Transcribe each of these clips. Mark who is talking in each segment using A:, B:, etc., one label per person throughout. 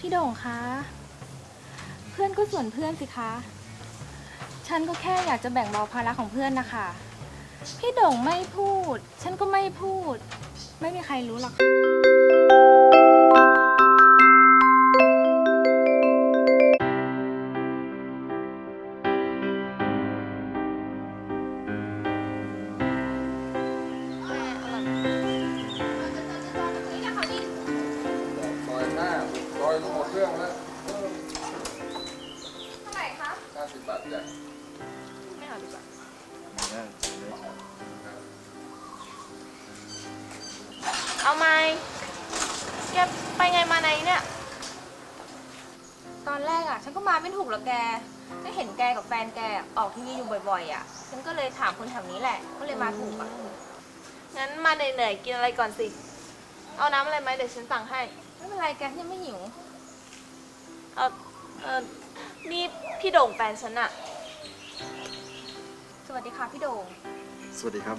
A: พี่โด่งคะเพื่อนก็ส่วนเพื่อนสิคะฉันก็แค่อยากจะแบ่งเบาภาระของเพื่อนนะคะพี่โด่งไม่พูดฉันก็ไม่พูดไม่มีใครรู้หรอก
B: ซอยหน้าซอยรู้หมดเรื่องแล้ว
A: เท่าไหร่คะ
B: 50 บาทจ้ะ
A: ไม่เอาดีกว่า
C: เอาไหมแกไปไงมาไหนเนี่ย
A: ตอนแรกอ่ะฉันก็มาไม่ถูกหรอกแกก็เห็นแกกับแฟนแกออกทีวีอยู่บ่อยๆอ่ะฉันก็เลยถามคนแถวนี้แหละก็เลยมาถูกอ่ะ
C: งั้นมาเหนื่อยๆกินอะไรก่อนสิ เอาน้ำอะไรไหมเดี๋ยวฉันสั่งให้
A: ไม่เป็นไรแกฉันยังไม่หิว
C: เออเออนี่พี่โด่งแฟนฉันอะ
A: สวัสดีค่ะพี่โด่ง
D: สวัสดีครับ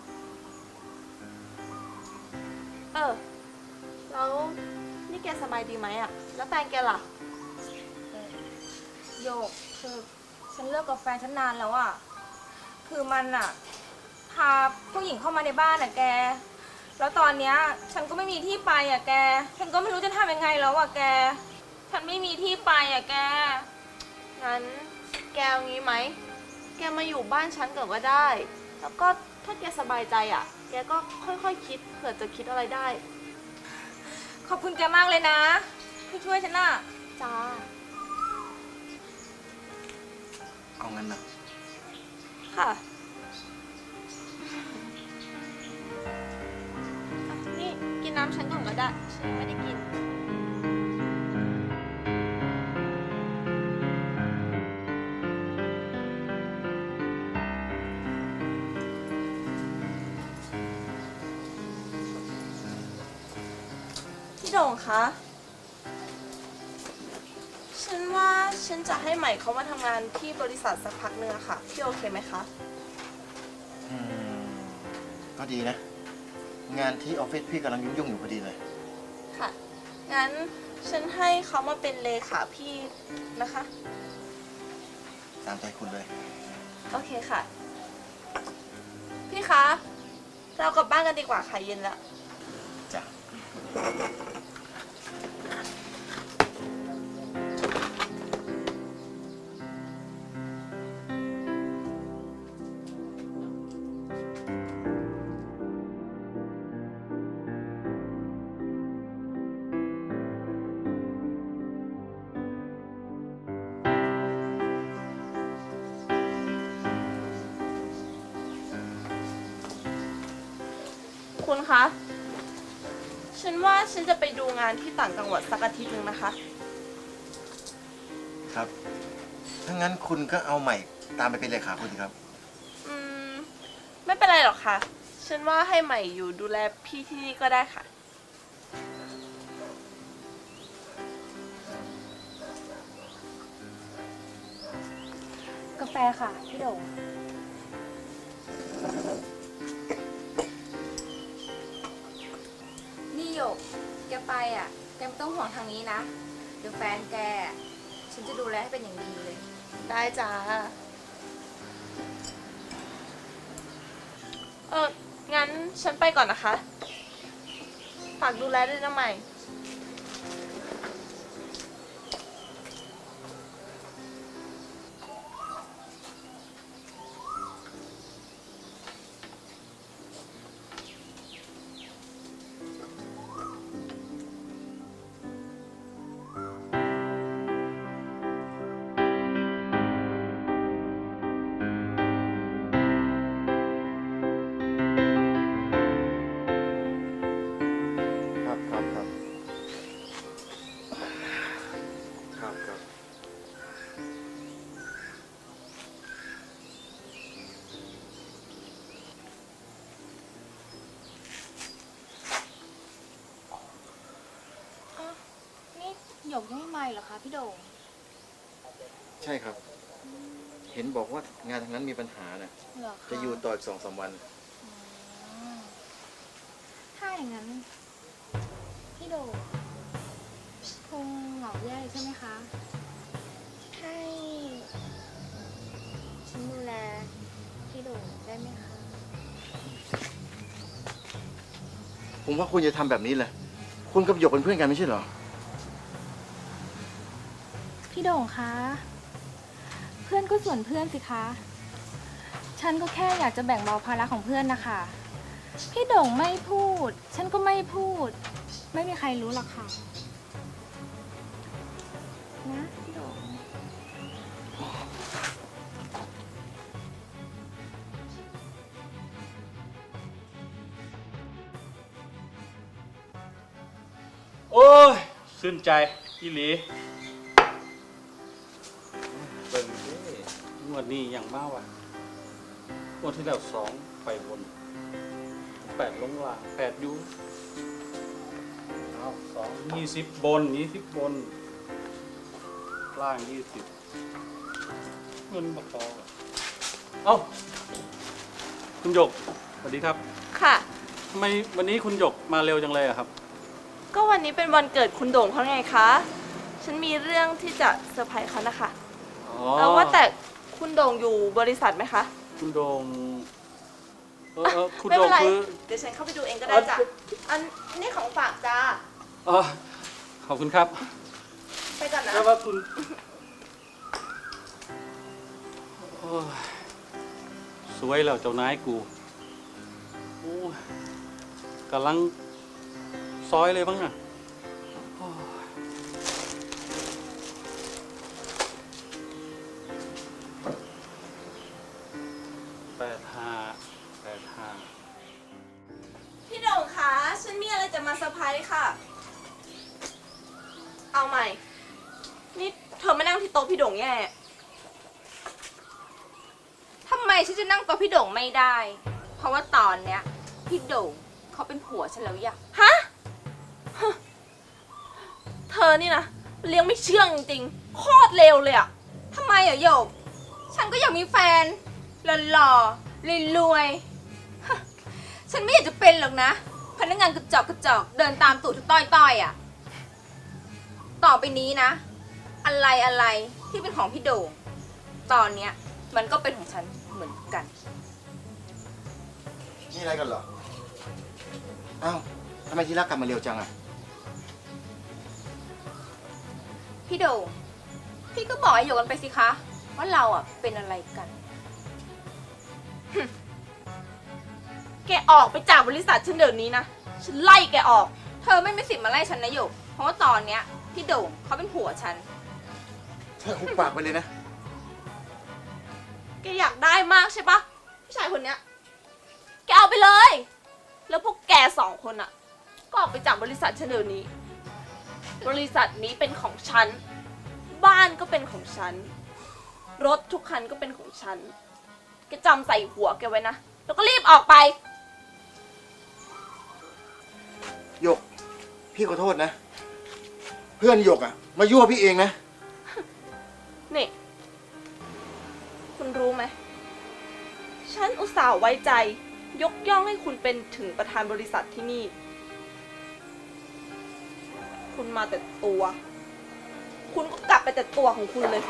C: เออ แล้วนี่แกสบายดีไหมอะแล้วแฟนแกล่ะ
A: โยกคือฉันเลิกกับแฟนฉันนานแล้วอ่ะคือมันอ่ะพาผู้หญิงเข้ามาในบ้านอ่ะแกแล้วตอนเนี้ยฉันก็ไม่มีที่ไปอ่ะแกฉันก็ไม่รู้จะทำยังไงแล้วอ่ะแกฉันไม่มีที่ไปอ่ะแก
C: งั้นแกเอางี้ไหม แกมาอยู่บ้านฉันก่อนก็ได้ แล้วก็ถ้าแกสบายใจอะแกก็ค่อยๆคิดเผื่อจะคิดอะไรได้
A: ขอบคุณแกมากเลยนะที่ช่วยฉันน่ะ
C: จ้า
D: เอางั้นนะ
C: ค่ะ นี่กินน้ำฉันก่อนก็ได้ ฉันยังไม่ได้กิน พี่โด่งคะ ฉันว่าฉันจะให้ใหม่เขามาทำงานที่บริษัทสักพักนึงอะค่ะ พี่โอเคไหมคะ
D: ก็ดีนะ งานที่ออฟฟิศพี่กำลังยุ่งๆอยู่พอดีเลย
C: ค่ะ งั้นฉันให้เขามาเป็นเลขาพี่นะคะ
D: ตามใจคุณเลย
C: โอเคค่ะ พี่คะ เรากลับบ้านกันดีกว่าค่ะเย็นแล้ว
D: จ้ะ
C: คุณคะ ฉันว่าฉันจะไปดูงานที่ต่างจังหวัดสักอาทิตย์หนึ่งนะคะ
D: ครับ ถ้างั้นคุณก็เอาใหม่ตามไปเป็นเลขาคุณสิครับ
C: อืม ไม่เป็นไรหรอกค่ะ ฉันว่าให้ใหม่อยู่ดูแลพี่ที่นี่ก็ได้ค่ะ
A: กาแฟค่ะพี่โด่งนี่โยกแกไปอ่ะแกไม่ต้องห่วงทางนี้นะเดี๋ยวแฟนแกฉันจะดูแลให้เป็นอย่างดีเลย
C: ได้จ้า งั้นฉันไปก่อนนะคะ ฝากดูแลด้วยนะใหม่
D: ครับครับครับครับครับ
A: นี่หยกยังไม่มาเหรอคะพี่โด่ง
D: ใช่ครับ เห็นบอกว่างานทางนั้นมีปัญหาน่ะ
A: เหรอคะ
D: จะอยู่ต่ออีก2-3 วัน
A: อ๋อถ้าอย่างนั้นพี่โด่งคงเหงาแย่ใช่ไหมคะให้ฉันดูแลพี่โด่งได้ไหมคะ
D: ผมว่าคุณจะทำแบบนี้เลย คุณกับหยกเป็นเพื่อนกันไม่ใช่เหรอ
A: พี่โด่งคะ เพื่อนก็ส่วนเพื่อนสิคะ ฉันก็แค่อยากจะแบ่งเบาภาระของเพื่อนนะคะ พี่โด่งไม่พูด ฉันก็ไม่พูด ไม่มีใครรู้หรอกค่ะ นะพี่โด่ง
E: โอ้ยชื่นใจอีหลีเบิ่งดิงวดนี้อย่างมากว่ะงวดที่แล้ว2ไปบน8ลงล่าง8อยู่เอา20บน20บนล่าง20เงินบ่พอว่ะเอ้าคุณหยกสวัสดีครับ
C: ค่ะ
E: ทำไมวันนี้คุณหยกมาเร็วจังเลยอะครับ
C: ก็วันนี้เป็นวันเกิดคุณโด่งเขาไงคะ ฉันมีเรื่องที่จะเซอร์ไพรส์เขานะคะ
E: อ๋อ
C: แล้วว่าแต่คุณโด่งอยู่บริษัทไหมคะ
E: คุณโดงคุณ
C: ไม่
E: โด
C: เป็
E: ง
C: นไร
E: คือ
C: เดี๋ยวฉันเข้าไปดูเองก็ได้จ้ะ อันนี้ของฝากจ้า
E: อ๋อขอบคุณครับ
C: ไปก่อนนะ
E: แล้วว่าคุณโอ้ยสวยแล้วเจ้านายกูโอ้ยกำลังซอยเลยบ้างอ่ะโอ้ย85
C: พี่โด่งคะ ฉันมีอะไรจะมาเซอร์ไพรส์ค่ะ เอาใหม่ นี่เธอมานั่งที่โต๊ะพี่โด่งแย่
A: ทำไมฉันจะนั่งโต๊ะพี่โด่งไม่ได้ เพราะว่าตอนเนี้ยพี่โด่งเขาเป็นผัวฉันแล้วอย่ะ
C: ฮะ เธอนี่นะเลี้ยงไม่เชื่องจริงๆโคตรเลวเลยอะ
A: ทำไมอ่ะโยก ฉันก็อยากมีแฟนหล่อๆรวยๆฮะฉันไม่อยากจะเป็นหรอกนะ พนักงานกระจอกเดินตามตูดทุกต้อยๆอ่ะ ต่อไปนี้นะ อะไรที่เป็นของพี่โด่ง ตอนเนี้ยมันก็เป็นของฉันเหมือนกัน
D: นี่อะไรกันเหรอ อ้าวทำไมทีรักกลับมาเร็วจังอะ
A: พี่โด่งพี่ก็บอกให้โยกกันไปสิคะ ว่าเราอ่ะเป็นอะไรกัน
C: แกออกไปจากบริษัทฉันเดี๋ยวนี้นะ ฉันไล่แกออก
A: เธอไม่มีสิทธิ์มาไล่ฉันนะโยก เพราะว่าตอนเนี้ยพี่โด่งเขาเป็นผัวฉัน
D: เธอหุบปากไปเลยนะ
C: แกอยากได้มากใช่ปะผู้ชายคนเนี้ย แกเอาไปเลย แล้วพวกแก2 คนอะก็ออกไปจากบริษัทฉันเดี๋ยวนี้ บริษัทนี้เป็นของฉัน บ้านก็เป็นของฉัน รถทุกคันก็เป็นของฉัน แกจำใส่หัวแกไว้นะ แล้วก็รีบออกไป
D: หยก พี่ขอโทษนะ เพื่อนหยกอะมายั่วพี่เองนะ
C: นี่ คุณรู้ไหม ฉันอุตส่าห์ไว้ใจ ยกย่องให้คุณเป็นถึงประธานบริษัทที่นี่ คุณมาแต่ตัว คุณก็กลับไปแต่ตัวของคุณเลย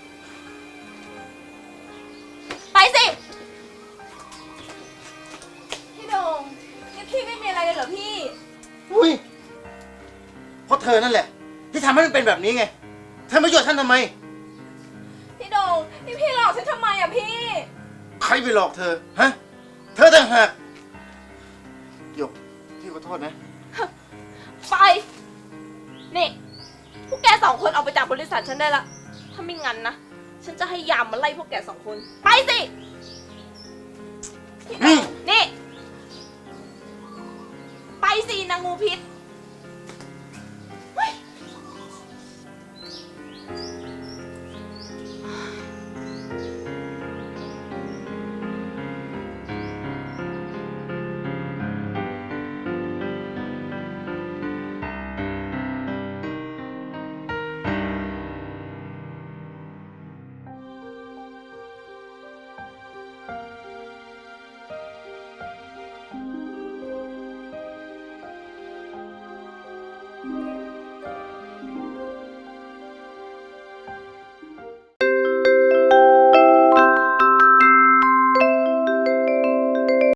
C: ไปสิ
A: พี่โด่งนี่พี่ไม่มีอะไรเลยเหรอพี่
D: อุ้ย เพราะเธอนั่นแหละ ที่ทำให้มันเป็นแบบนี้ไง เธอมายั่วฉันทำไม
A: พี่โด่งนี่พี่หลอกฉันทำไมอ่ะพี่
D: ใครไปหลอกเธอ ฮะ เธอต่างหากหยก พี่ขอโทษนะ
C: ไป นี่ พวกแก2 คนออกไปจากบริษัทฉันได้ละ ถ้าไม่งั้นนะ ฉันจะให้ยามมาไล่พวกแก2 คน ไปสิ
D: นี่
C: นี่ ไปสินางงูพิษ